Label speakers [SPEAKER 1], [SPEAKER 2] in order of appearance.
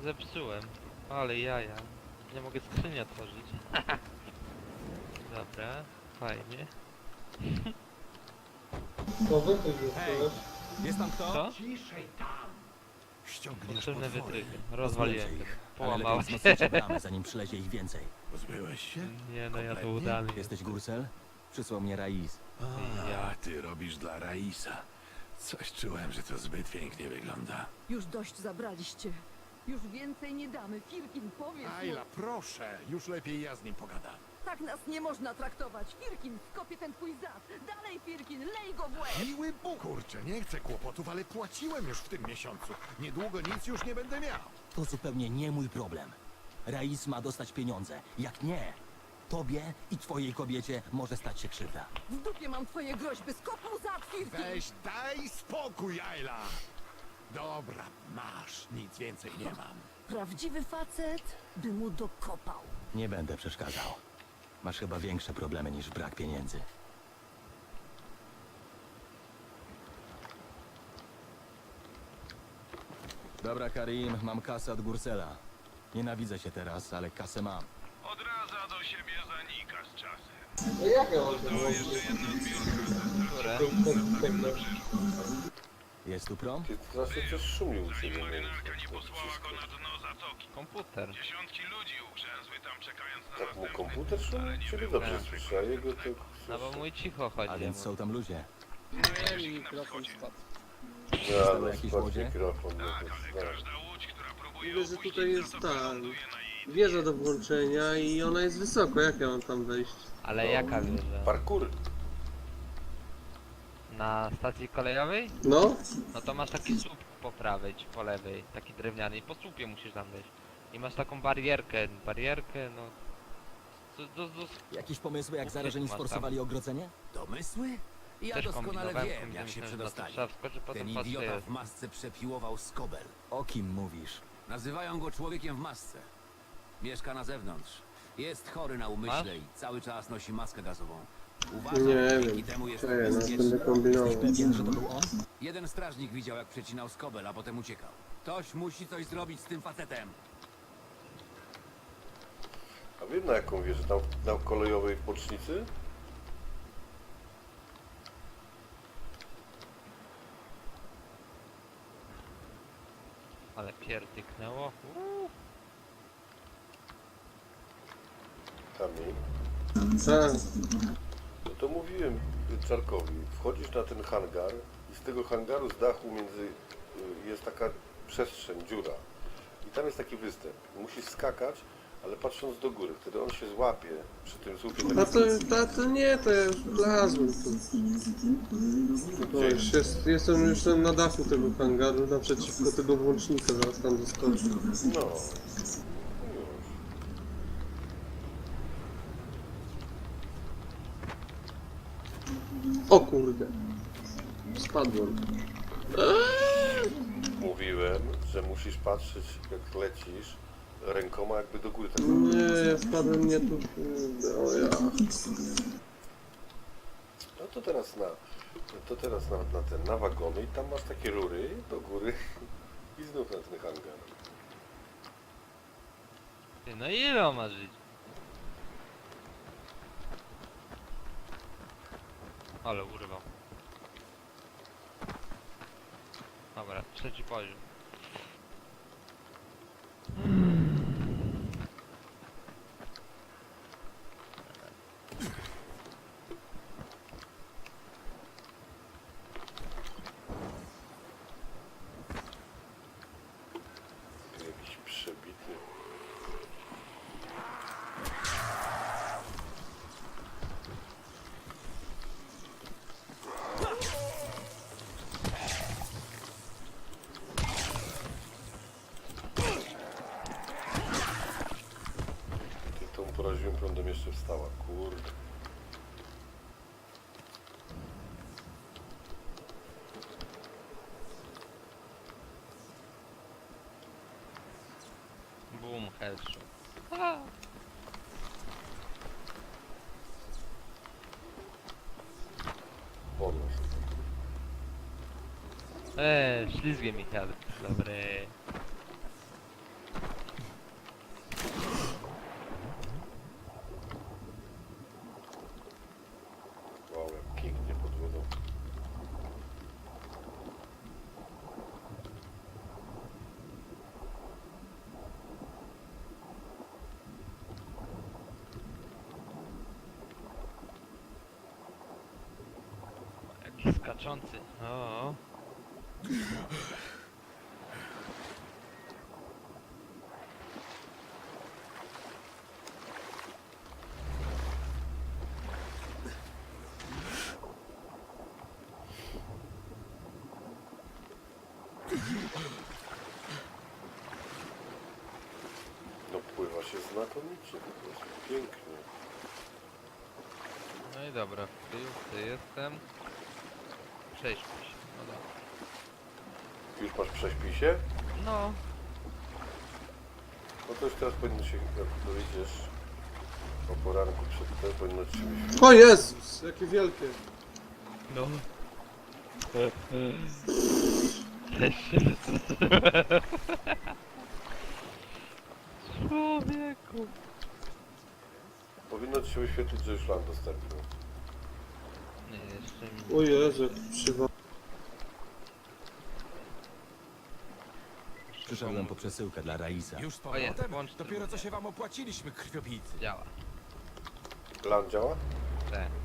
[SPEAKER 1] zepsułem. Ale jaja. Nie mogę skrzyni otworzyć. Dobra, fajnie.
[SPEAKER 2] To wy coś
[SPEAKER 3] Hej!
[SPEAKER 2] zepsułeś.
[SPEAKER 3] Jest tam kto?
[SPEAKER 1] Co?
[SPEAKER 4] Ściągniesz
[SPEAKER 1] Potrzebne
[SPEAKER 4] potwory.
[SPEAKER 1] wytrychy. Rozwaliłem
[SPEAKER 3] Pozbyłem
[SPEAKER 1] go.
[SPEAKER 3] się ich, ale
[SPEAKER 1] Połamałem
[SPEAKER 3] lepiej
[SPEAKER 1] się.
[SPEAKER 3] wzmocnić bramę, zanim przylezie ich więcej.
[SPEAKER 4] Pozbyłeś się?
[SPEAKER 1] Nie no, ja to
[SPEAKER 4] Kompletnie?
[SPEAKER 1] udany.
[SPEAKER 3] Jesteś Gursel? Przysłał mnie Rais.
[SPEAKER 4] A, ty robisz dla Raisa. Coś czułem, że to zbyt pięknie wygląda.
[SPEAKER 5] Już dość zabraliście. Już więcej nie damy. Firkin, powiedz mu.
[SPEAKER 4] Ayla, proszę, już lepiej ja z nim pogadam.
[SPEAKER 5] Tak nas nie można traktować. Firkin, skopię ten twój zad. Dalej, Firkin, lej go w łeb.
[SPEAKER 4] Miły Bóg! Kurczę, nie chcę kłopotów, ale płaciłem już w tym miesiącu. Niedługo nic już nie będę miał.
[SPEAKER 3] To zupełnie nie mój problem. Rais ma dostać pieniądze. Jak nie, tobie i twojej kobiecie może stać się krzywda.
[SPEAKER 5] W dupie mam twoje groźby. Skop mu zad, Firkin.
[SPEAKER 4] Weź, daj spokój, Ayla! Dobra, masz, nic więcej nie mam.
[SPEAKER 5] Prawdziwy facet by mu dokopał.
[SPEAKER 3] Nie będę przeszkadzał. Masz chyba większe problemy niż brak pieniędzy. Dobra, Karim, mam kasę od Gursela. Nienawidzę się teraz, ale kasę mam.
[SPEAKER 6] Odradza do siebie zanika z czasem.
[SPEAKER 2] No jak ja mam to
[SPEAKER 6] To
[SPEAKER 2] zrobić?
[SPEAKER 6] jeszcze jedna zbiórka.
[SPEAKER 1] Które?
[SPEAKER 3] Jest tu prom?
[SPEAKER 7] Ty strasznie coś szumił u
[SPEAKER 6] Zanim
[SPEAKER 7] ciebie.
[SPEAKER 6] marynarka nie posłała go na dno zatoki.
[SPEAKER 1] Komputer.
[SPEAKER 6] Dziesiątki ludzi ugrzęzły tam czekając na
[SPEAKER 7] Tak mu
[SPEAKER 6] następny.
[SPEAKER 7] komputer szumił? Ciebie dobrze słyszę, a jego to...
[SPEAKER 1] No bo mój cicho chodzi.
[SPEAKER 3] A więc są tam ludzie.
[SPEAKER 7] Ja, no,
[SPEAKER 3] jakiś
[SPEAKER 7] spadł
[SPEAKER 3] łodzie?
[SPEAKER 7] mikrofon, no
[SPEAKER 6] Tak,
[SPEAKER 7] to
[SPEAKER 6] ale
[SPEAKER 7] znam.
[SPEAKER 6] każda łódź, która próbuje
[SPEAKER 2] Mówię, że
[SPEAKER 6] opuścić
[SPEAKER 2] tutaj jest
[SPEAKER 6] zatokę,
[SPEAKER 2] ta
[SPEAKER 6] ląduje na jej
[SPEAKER 2] wieża do włączenia i ona jest wysoko. Jak ja mam tam wejść?
[SPEAKER 1] Ale jaka wieża?
[SPEAKER 7] Parkour.
[SPEAKER 1] Na stacji kolejowej?
[SPEAKER 2] No?
[SPEAKER 1] No to masz taki słup po prawej czy po lewej, taki drewniany i po słupie musisz tam wejść. I masz taką barierkę, no...
[SPEAKER 3] Jakieś pomysły, jak
[SPEAKER 1] Ukryć
[SPEAKER 3] zarażeni
[SPEAKER 1] ma tam.
[SPEAKER 3] sforsowali ogrodzenie?
[SPEAKER 8] Domysły? Ja
[SPEAKER 1] Też
[SPEAKER 8] doskonale
[SPEAKER 1] kombinowałem,
[SPEAKER 8] wiem, jak się
[SPEAKER 1] myślałem, że na to
[SPEAKER 8] przedostali.
[SPEAKER 1] trzeba wskoczyć, potem
[SPEAKER 8] Ten
[SPEAKER 1] patrzę,
[SPEAKER 8] idiota
[SPEAKER 1] jest.
[SPEAKER 8] w masce przepiłował skobel.
[SPEAKER 3] O kim mówisz?
[SPEAKER 8] Nazywają go człowiekiem w masce. Mieszka na zewnątrz. Jest chory na umyśle i cały czas nosi maskę gazową. Uważam,
[SPEAKER 2] Nie
[SPEAKER 8] dzięki
[SPEAKER 2] wiem.
[SPEAKER 8] temu jest
[SPEAKER 2] Co ja no,
[SPEAKER 8] bezpieczny.
[SPEAKER 2] będę kombinował.
[SPEAKER 3] Pewien, że to był on?
[SPEAKER 8] Jeden strażnik widział, jak przecinał skobel, a potem uciekał. Ktoś musi coś zrobić z tym facetem.
[SPEAKER 7] A wiem na jaką wieżę? Na kolejowej bocznicy?
[SPEAKER 1] Ale pierdyknęło.
[SPEAKER 7] Kamień.
[SPEAKER 2] Tak.
[SPEAKER 7] No to mówiłem Czarkowi, wchodzisz na ten hangar i z tego hangaru z dachu jest taka przestrzeń, dziura. I tam jest taki występ. Musisz skakać, ale patrząc do góry. Wtedy on się złapie przy tym słupie.
[SPEAKER 2] To nie, to ja już wlazłem tu. To już jestem już tam na dachu tego hangaru, naprzeciwko tego włącznika, zaraz tam doskoczę.
[SPEAKER 7] No. Już.
[SPEAKER 2] O kurde. Spadłem.
[SPEAKER 7] Mówiłem, że musisz patrzeć jak lecisz rękoma jakby do góry. Tak.
[SPEAKER 2] Nie, ja spadłem nie tu. Kurde, o ja.
[SPEAKER 7] No to teraz na wagony i tam masz takie rury do góry i znów na ten hangar.
[SPEAKER 1] Ty, no ile on ma żyć? Ale urwał. Dobra, trzeci poziom.
[SPEAKER 7] Jakiś przebity. Ty tą poraziłem prądem jeszcze wstała, kurde.
[SPEAKER 1] Boom, headshot.
[SPEAKER 7] Podnoś.
[SPEAKER 1] Ślizgie mi head. Dobry. Skaczący. O.
[SPEAKER 7] No pływa się znakomicie, po prostu pięknie.
[SPEAKER 1] No i dobra, w tył jestem. Przejdźmy się. No dobra.
[SPEAKER 7] Już masz prześpisie?
[SPEAKER 1] No.
[SPEAKER 7] No to już teraz powinno się, jak dowiedziesz o poranku przed tym, powinno ci się wyświetlić.
[SPEAKER 2] O Jezus, jakie wielkie.
[SPEAKER 1] No. Człowieku.
[SPEAKER 7] Powinno ci się wyświetlić, że już land dostarczył.
[SPEAKER 1] Nie, jeszcze mi...
[SPEAKER 2] O Jezu, jak przywa...
[SPEAKER 3] Przyszedłem po przesyłkę dla Raisa.
[SPEAKER 4] Już z
[SPEAKER 1] O jest,
[SPEAKER 4] powrotem?
[SPEAKER 1] włącz ten
[SPEAKER 4] Dopiero co
[SPEAKER 1] mnie.
[SPEAKER 4] się wam opłaciliśmy, krwiopijcy.
[SPEAKER 1] Działa.
[SPEAKER 7] Land działa?
[SPEAKER 1] Tak.